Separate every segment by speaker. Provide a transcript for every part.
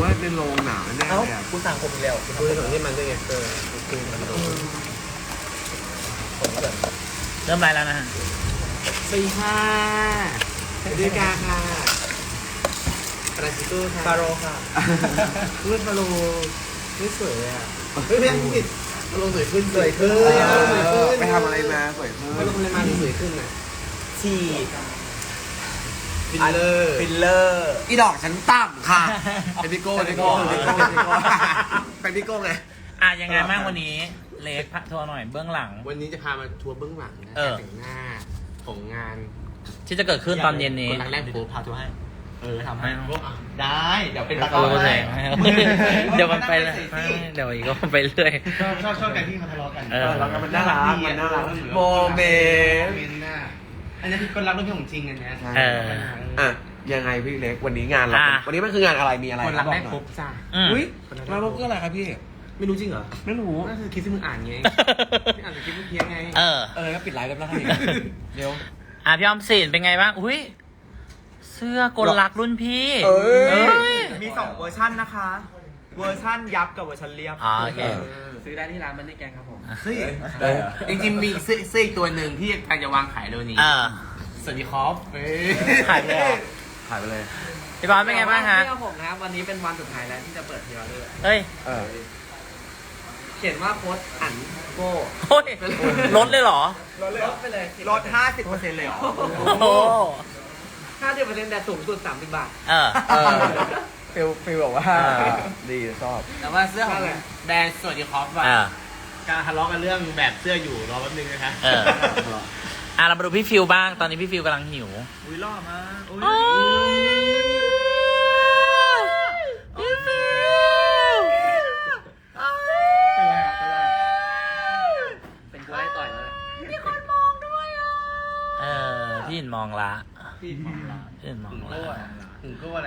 Speaker 1: ว่าในโรงหนังแน่เลยอ่ะ
Speaker 2: คุณสั่งผมอีกแล้วคุณสั่งที่มันด้วยไงคือมันโดนผมเกิด
Speaker 3: เริ่มไลฟ์แล้วนะฮะ
Speaker 1: สี่ค่ะดีกาค่ะปราชิโต้ค่ะ
Speaker 2: ฟาโรค่ะ
Speaker 1: รุ่นฟาโลไม่สวยเลยอ่ะเฮ้ยไม่ต้องผิดฟาโลสวยขึ้น
Speaker 2: สวยขึ้น
Speaker 1: ไปทำอะไรมาสวยขึ้นฟาโลทำอะไรมาสวยขึ้นอ่ะ
Speaker 2: ฉีด
Speaker 1: ฟิลเลอร์
Speaker 2: ฟิลเลอร์
Speaker 1: อีดอกฉันต่ำค่ะเป็นพี่โก้เป็นพี่โก้เป็นพี่โก้ไง
Speaker 3: อ่ะยังไงบ้างวันนี้เล็กพักทัวร์หน่อยเบื้องหลัง
Speaker 1: วันนี้จะพามาทัวร์เบื้องหลังนะ
Speaker 3: เออ
Speaker 1: แต่งหน้าของงาน
Speaker 3: ที่จะเกิดขึ้นตอนเย็นนี้
Speaker 1: คนรักแรกพบ
Speaker 2: พาทัวร์ให้
Speaker 1: ทำให้
Speaker 2: ได้ เดี๋ยวเป็นตะก
Speaker 3: โอ้
Speaker 2: ร้อ
Speaker 3: แส
Speaker 2: ให้
Speaker 3: งเดี๋ยวมันไปเลยเดี๋ยวอีกก็ไปเรื่อย
Speaker 2: ชอบกันที่เขาทะเลาะกัน
Speaker 3: เออ
Speaker 1: มันน่ารักมันน่ารักโมเมนต์
Speaker 2: อันนี้คือคนรักเรื่องของจริงอันเนี้ย
Speaker 3: เออ
Speaker 1: อ่ะยังไงพี่เล็กวันนี้งานเรา
Speaker 3: อ่ะ
Speaker 1: วันนี้มันคืองานอะไรมีอะไร
Speaker 2: คนรักแรกพบจ้า
Speaker 3: อืม
Speaker 1: อุ้ยมาพบก็อะไรครับพี่
Speaker 2: ไม่รู้จริงเหรอ
Speaker 1: ไม่รู้
Speaker 2: นั่นคือคลิปที่มึงอ่านไงที่อ่านจากคลิปเมื่อกี้ไง
Speaker 3: เออ
Speaker 1: ก็ปิดไลฟ์แล้วนะครับเดี๋ยว
Speaker 3: อ่ะพี่ออมสินเป็นไงบ้างอุ้ยเสื้อกลลักรุ่นพี่
Speaker 1: เอ้ย
Speaker 2: มี2เวอร์ชันนะคะ เวอร์ชันยับกับเวอร์ชันเรียบ
Speaker 3: อ๋อโอเค
Speaker 2: ซื้อได้ที่ร้านมันนี่แกงครับผม
Speaker 1: เฮ้ยจริงๆมีเสื้ออีกตัวหนึ่งที่กำลังจะวางขายเร็วนี้
Speaker 3: เออ
Speaker 1: สวัสดีครับ
Speaker 3: ขายไปเลยเหรอ
Speaker 1: ขายไปเลย
Speaker 3: พี่บอลเป็นไงบ้างฮะ
Speaker 2: เสื้อผมนะวันนี้เป็นวันสุดท้ายแล้วที่จะเปิดพรีออเดอร์
Speaker 3: เฮ้ย
Speaker 2: เขียนว่าโค้ดอันโก้
Speaker 3: โอ้ยลดเลยเหรอ
Speaker 2: ลดไปเลยลด 50%เลยเหรอ
Speaker 3: โอ้โห
Speaker 2: 50%แต่สูงสุด30 บาท
Speaker 3: เออ
Speaker 1: ฟิลบอกว่าดีชอบ
Speaker 2: แต่ว่าเสื้อของแบรนด์สวัสดีครับว่า
Speaker 3: เออ
Speaker 2: การทะเลาะกันเรื่องแบบเสื้ออยู่รอแป๊บนึงนะคะ
Speaker 3: เออ อ่ะเรามาดูพี่ฟิวบ้าง ตอนนี้พี่ฟิวกำลังหิว
Speaker 2: อุ้ยล่อมาอุ้ย
Speaker 3: โอ้ยพี่ฟิว
Speaker 2: เป็นกูได้ต่อยแล้ว
Speaker 3: เออ พี่หินมองละ
Speaker 2: พี่มองละ
Speaker 3: พี่หินมอง
Speaker 2: ถึง
Speaker 3: ละ
Speaker 2: โก้อะถึงโก้แหละ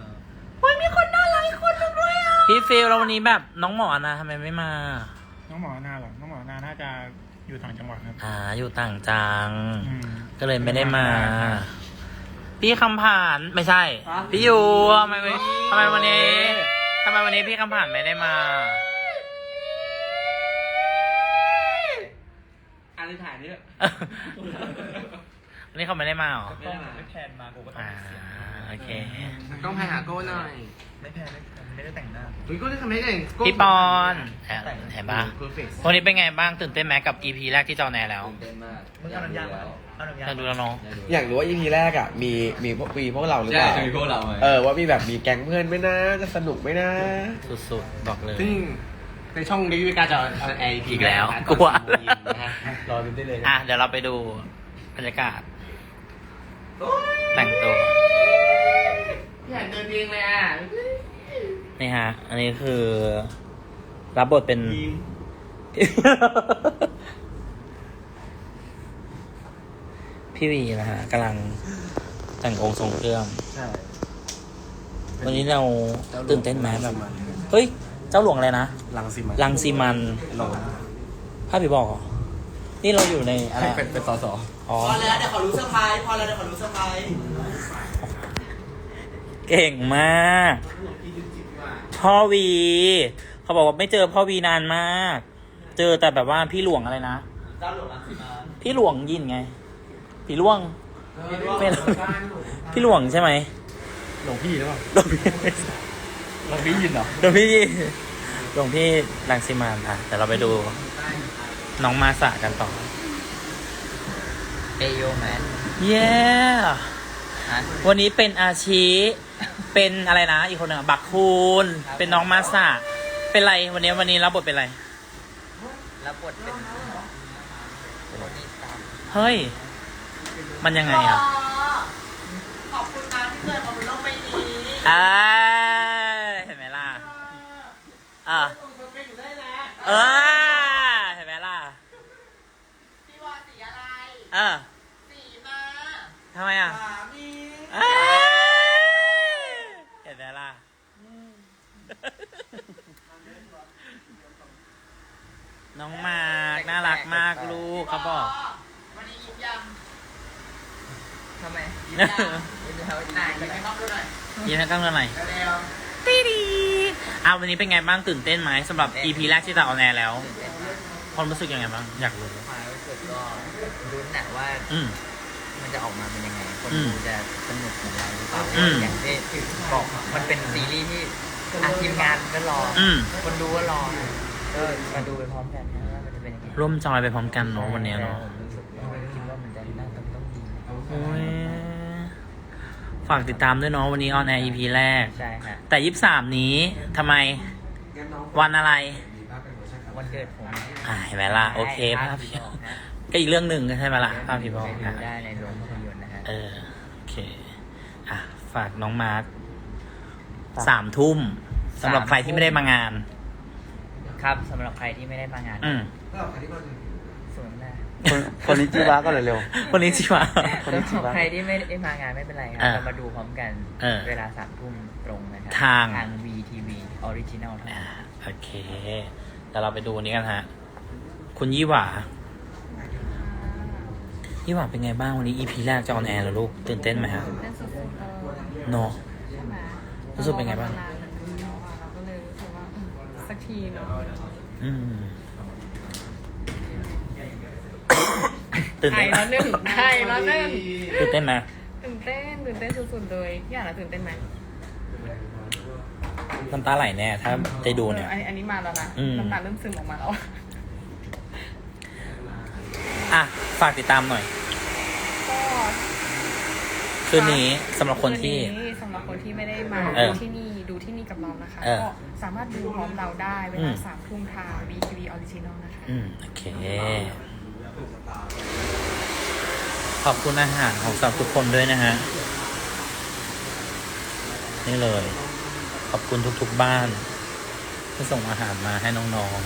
Speaker 3: พี่ฟิวแล้ววันนี้แบบน้องหมอนะทำไมไม่มา
Speaker 4: น้องหมอนาเหรอ น้องหมอนาน่าจะอยู่ต่างจังหวัดครับ
Speaker 3: อยู่ต่างจัง
Speaker 4: อืม
Speaker 3: ก็เลยไม่ได้มา พี่คำผ่านไม่ใช่ พี่ยูทำไมวันนี้พี่คำผ่านไม่ได้มา
Speaker 2: อันนี้ถ่ายนี่
Speaker 3: วันนี้เขาไม่ได้มาเหรอ
Speaker 2: ไม่ได้มาไม่แทนมากูก็ต้อง
Speaker 3: โอเค
Speaker 1: ต้องไปหาโก้หน่อย
Speaker 2: ไม่แทนไม่ได้แต่งหน้า
Speaker 1: โก้ได้ทำไมได้
Speaker 3: พี่ปอนเห็นปะ
Speaker 1: เพอร์เฟกต์
Speaker 3: วันนี้เป็นไงบ้างตื่นเต้นไหมกับ EP แรกที่จอแนแล้ว
Speaker 2: มึงเอาน้ำยามาเอาน้ำยา
Speaker 3: เราดูแล้วเนาะ
Speaker 1: อยากรู้ว่า EP แรกอ่ะมีพวกเราหรือเปล่า
Speaker 5: จะมีพวกเราไหม
Speaker 1: ว่ามีแบบมีแก๊งเพื่อนไหมนะจะสนุกไหมนะ
Speaker 3: สุดๆบอกเลย
Speaker 1: ซึ่งในช่องรีวิวการจะเอาไอ
Speaker 3: อีกแล้วกลัว
Speaker 1: รอดูได้เลย
Speaker 3: เดี๋ยวเราไปดูบรรยากาศ แต่งตัว
Speaker 1: อยากเดินเองเลยอ่ะ
Speaker 3: นี่ฮะ อันนี้คือ รับบทเป็น พี่วีนะฮะกำลังแต่งองค์ทรงเครื่อง
Speaker 1: ใช่
Speaker 3: วันนี้เราตื่นเต้นไหมแบบ เฮ้ย เจ้าหลวงอะไรนะ
Speaker 1: ลังสิมัน
Speaker 3: ลังซีมันภาพผีบอกเหรอ นี่เราอยู่ในอะไร
Speaker 1: เป็นสส
Speaker 3: อ๋อ
Speaker 2: พอแล้วเดี๋ยวขอรู้เซอร์ไพรส์พอแล้วเดี๋ยวขอรู้เซอร์ไพรส์
Speaker 3: เก่งมาก พ่อวี เขาบอกว่าไม่เจอพ่อวีนานมาก เจอแต่แบบว่าพี่หลวงอะไรนะ
Speaker 2: เจ้าหลวงรังสิมา
Speaker 3: พี่หลวงยินไง พี่หลวงไม่รู้พี่หลวงใช่ไหม
Speaker 1: หลวงพี่หรือเปล่า
Speaker 3: หลวงพี่
Speaker 1: หลวงพี่ยินเหรอ
Speaker 3: หลวงพี่หลวงพี่รังสิมานอ่ะแต่เราไปดู น้องมาสะกันต่อ
Speaker 2: เอโยแมน
Speaker 3: เย้วันนี้เป็นอาชี เป็นอะไรนะ อีกคนหนึ่งอะบักคูณ เป็นน้องมาสะเป็นไรวันนี้รับบทเป็นอะไร
Speaker 2: รับบทเป็น
Speaker 3: เฮ้ย มันยังไงอ่ะ
Speaker 2: ขอบคุณนะที่เกิดมาบนโลกใบนี้
Speaker 3: เห็นไหมล่ะเห็นไหมล่ะ
Speaker 2: พี่ว่าสีอะไร สีมา
Speaker 3: ทำไมอ่ะ
Speaker 2: สามี
Speaker 3: เห็นไหมล่ะ น้องมากน่ารักมากลูกเขาบอก
Speaker 2: วันนี้ยิ้มยังทำไมยิ้มยังยิ้มยังไหนยิ้มให้น้องดูหน่อย
Speaker 3: ยิ้มให้กล้องดูหน่อย
Speaker 2: เร็ว
Speaker 3: ตีดีวันนี้เป็นไงบ้างตื่นเต้นไหมสำหรับ EP แรกที่จะออนแอร์แล้ว
Speaker 2: ตื่นเต้นมาก
Speaker 3: ความรู้สึกยังไงบ้างอยากรู้
Speaker 2: ความรู้สึกก็รุ้นนะว่า
Speaker 3: อืม
Speaker 2: มันจะออกมาเป็นยังไง คน
Speaker 3: อืม
Speaker 2: ดูจะสนุกเหมือนเราหรือเปล่า
Speaker 3: อืม
Speaker 2: อย่างที่บอกมันเป็นซีรีส์ที่ทีมงานก็รออ
Speaker 3: ม
Speaker 2: คนดูก็รอนะก็มาดูไปพร้อมกันนะว่ามันจะเป็นยังไง
Speaker 3: ร่วมจอยไปพร้อมกันเนาะวันนี้เนาะ
Speaker 2: ผมรู้สึกว่าคิดว่ามันจะน่าต้องดี
Speaker 3: โอ้ยฝากติดตามด้วยเนาะวันนี้ออนแอร์ EP แรก
Speaker 2: ใช่ฮะ
Speaker 3: แต่ 23 นี้ทำไมวันอะไร
Speaker 2: วันเกิดผม
Speaker 3: เห็นไหมล่ะโอเคภาพ
Speaker 2: พี่
Speaker 3: พี่
Speaker 2: บอกนะ
Speaker 3: ก็อีกเรื่องหนึ่งใช่ไหมล่ะภาพพี่บอก
Speaker 2: ไปดู
Speaker 3: นะ
Speaker 2: ได้ในโรงภาพยนตร์นะฮะ
Speaker 3: โอเคฝากน้องมาร์ค3 ทุ่มสำหรับใครที่ไม่ได้มางาน
Speaker 2: ครับสำหรับใครที่ไม่ได้มางาน
Speaker 3: อืม
Speaker 2: สวนหน้า
Speaker 1: คนนี้จีวะก็เร็ว
Speaker 3: คนนี้จิวะ
Speaker 1: คนนี้ชิ
Speaker 2: สำห
Speaker 1: วะ
Speaker 2: รับใครที่ไม่ได้มางานไม่เป็นไรครับ
Speaker 3: อ่า
Speaker 2: เรามาดูพร้อมกัน เวลา3 ทุ่มตรงนะครั
Speaker 3: ทาง
Speaker 2: VTV Original เท่านั้น
Speaker 3: โอเคเดี๋ยวเราไปดูอันนี้กันฮะคุณยี่หว่ายี่หว่าเป็นไงบ้างวันนี้ EP แรกจะออนแอร์แล้วลูกตื่นเต้นไหมฮะ
Speaker 5: เป็นสุดๆ
Speaker 3: เนาะ
Speaker 5: ใช่ไหม
Speaker 3: รู้สึกเป็นไงบ้าง
Speaker 5: รอมนานเหมือนกันเนาะเราก็เลยรู้สึกว่าสักทีเนาะ
Speaker 3: อืมตื่น
Speaker 5: ไท
Speaker 3: เต้
Speaker 5: ย
Speaker 3: น
Speaker 5: แล้วหนึ่งไทยแล้วหนึ่ง
Speaker 3: ตื่นเต้นไหม
Speaker 5: ตื่นเต้นสุดๆเลยพี่อ่านแล้วตื่นเต้นไหม
Speaker 3: น้ำตาไหลแน่ถ้าได้ดูเนี่ย
Speaker 5: อันนี้มาแล้วนะ
Speaker 3: อืม
Speaker 5: น้ำตาเริ่มซึมออกมาแล้ว
Speaker 3: ฝากติดตามหน่อย
Speaker 5: ก็
Speaker 3: คืนนี้สำหรับคนที่
Speaker 5: คืนนี้สำหรับคนที่ไม่ได้มา
Speaker 3: เออ
Speaker 5: ดูที่นี่กับเรานะคะ
Speaker 3: เออ
Speaker 5: ก็สามารถดูพร้อมเราได้เว
Speaker 3: อื
Speaker 5: ลาม 3 ทุ่มทาง VTV Original นะคะ
Speaker 3: โอเค ขอบคุณอาหารของสำหรับทุกคนด้วยนะฮะ นี่เลย ขอบคุณทุกๆบ้าน ที่ส่งอาหารมาให้น้อง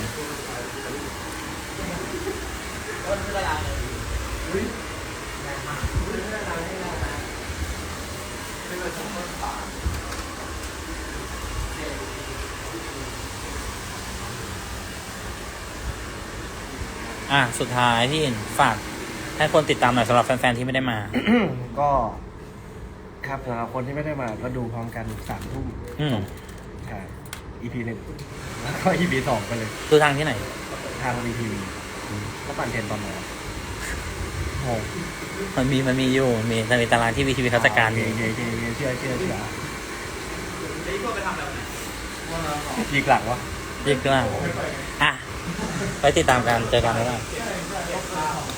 Speaker 3: ๆสุดท้ายพี่อินฝากให้คนติดตามหน่อยสำหรับแฟนๆที่ไม่ได้มา
Speaker 1: ก็ครับสำหรับคนที่ไม่ได้มาก็ดูพร้อมกัน3 ทุ่ม
Speaker 3: อืม
Speaker 1: ใช่ EP 1แล้วก็ EP 2ไปเลย
Speaker 3: ดูทางที่ไหน
Speaker 1: ทาง VTV ก็ปั่นเทรนตอนไหนวะโอ้
Speaker 3: มันมีอยู่มีตารางที่วีทีวีเขาจัดการอยู่
Speaker 1: เชื่อยีกหลักวะ
Speaker 3: เรียกว่าไปติดตามกันเจอกันแล้ว